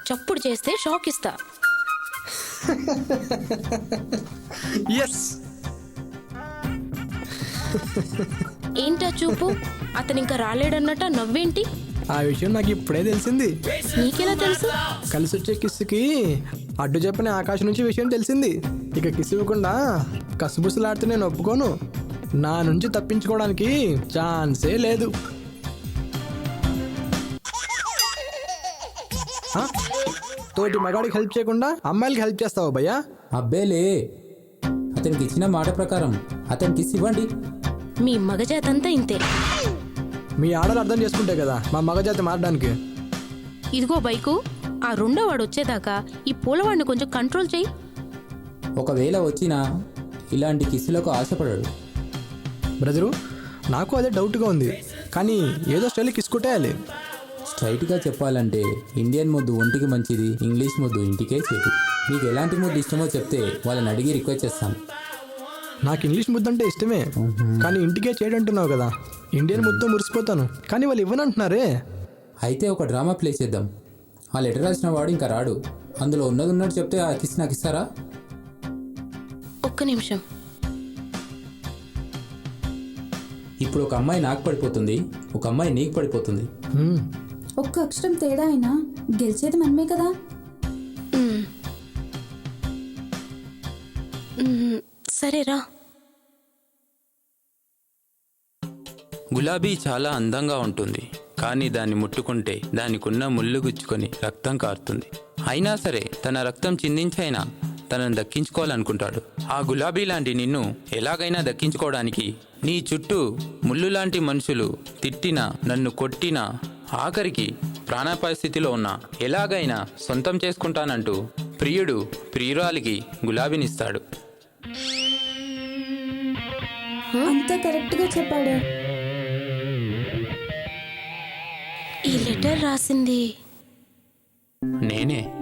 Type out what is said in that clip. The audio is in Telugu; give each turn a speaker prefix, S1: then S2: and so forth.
S1: చప్పుడు చేస్తే షాక్ ఇస్తా.
S2: ఎస్.
S1: ఏంటా చూపు? అతను ఇంకా రాలేడన్నట్ట నవ్వేంటి?
S2: ఆ విషయం నాకు ఇప్పుడే తెలిసింది.
S1: నీకెలా తెలుసు?
S2: కలిసి వచ్చే కిస్సుకి అడ్డు చెప్పని ఆకాశం నుంచి విషయం తెలిసింది. ఇక కిస్ ఇవ్వకుండా కసుబుసులాడితే నేను ఒప్పుకోను. నా నుంచి తప్పించుకోవడానికి ఛాన్సే లేదు. తోటి మగాడికి హెల్ప్ చేయకుండా అమ్మాయిలకి హెల్ప్ చేస్తావా భయ్యా?
S3: అబ్బేలే, అతనికి ఇచ్చిన మాట ప్రకారం అతనికి కిస్ ఇవ్వండి.
S1: మీ మగజాతంతా ఇంతే.
S2: మీ ఆడలు అర్థం చేసుకుంటే కదా మా మగజాతి మారడానికి.
S1: ఇదిగో బైకు, ఆ రెండో వాడు వచ్చేదాకా ఈ పూలవాడిని కొంచెం కంట్రోల్ చేయి.
S3: ఒకవేళ వచ్చినా ఇలాంటి కిస్సులకు ఆశపడాడు.
S2: బ్రదరు, నాకు అదే డౌట్గా ఉంది. కానీ ఏదో స్టైల్ కిసుకుంటేయాలి.
S3: స్ట్రైట్గా చెప్పాలంటే ఇండియన్ ముద్దు ఒంటికి మంచిది, ఇంగ్లీష్ ముద్దు ఇంటికే చేటు. మీకు ఎలాంటి ముద్దు ఇష్టమో చెప్తే వాళ్ళని అడిగి రిక్వెస్ట్ చేస్తాను.
S2: నాకు ఇంగ్లీష్ ముద్దు అంటే ఇష్టమే, కానీ ఇంటికే చేయడంటున్నావు కదా. ఇండియన్ ముద్దు మురిసిపోతాను, కానీ వాళ్ళు ఇవ్వనంటున్నారే.
S3: అయితే ఒక డ్రామా ప్లే చేద్దాం. ఆ లెటర్ రాసిన వాడు ఇంకా రాడు. అందులో ఉన్నది ఉన్నట్టు చెప్తే ఆ కిస్ నాకు ఇస్తారా?
S1: ఒక్క నిమిషం.
S3: ఇప్పుడు ఒక అమ్మాయి నాకు పడిపోతుంది, ఒక అమ్మాయి నీకు పడిపోతుంది.
S4: ఒక్క అక్షరం తేడా అయినా గెలిచేది మనమే కదా.
S1: సరేరా.
S5: గులాబీ చాలా అందంగా ఉంటుంది, కానీ దాన్ని ముట్టుకుంటే దానికున్న ముళ్ళు గుచ్చుకొని రక్తం కారుతుంది. అయినా సరే తన రక్తం చిందించైనా తనను దక్కించుకోవాలనుకుంటాడు. ఆ గులాబీ లాంటి నిన్ను ఎలాగైనా దక్కించుకోవడానికి నీ చుట్టూ ముళ్ళు లాంటి మనుషులు తిట్టినా, నన్ను కొట్టినా, ఆఖరికి ప్రాణాపాయ స్థితిలో ఉన్నా ఎలాగైనా సొంతం చేసుకుంటానంటూ ప్రియుడు ప్రియురాలికి గులాబీనిస్తాడు.
S4: అంత కరెక్ట్గా చెప్పాడు.
S1: ఈ లెటర్ రాసింది
S5: నేనే.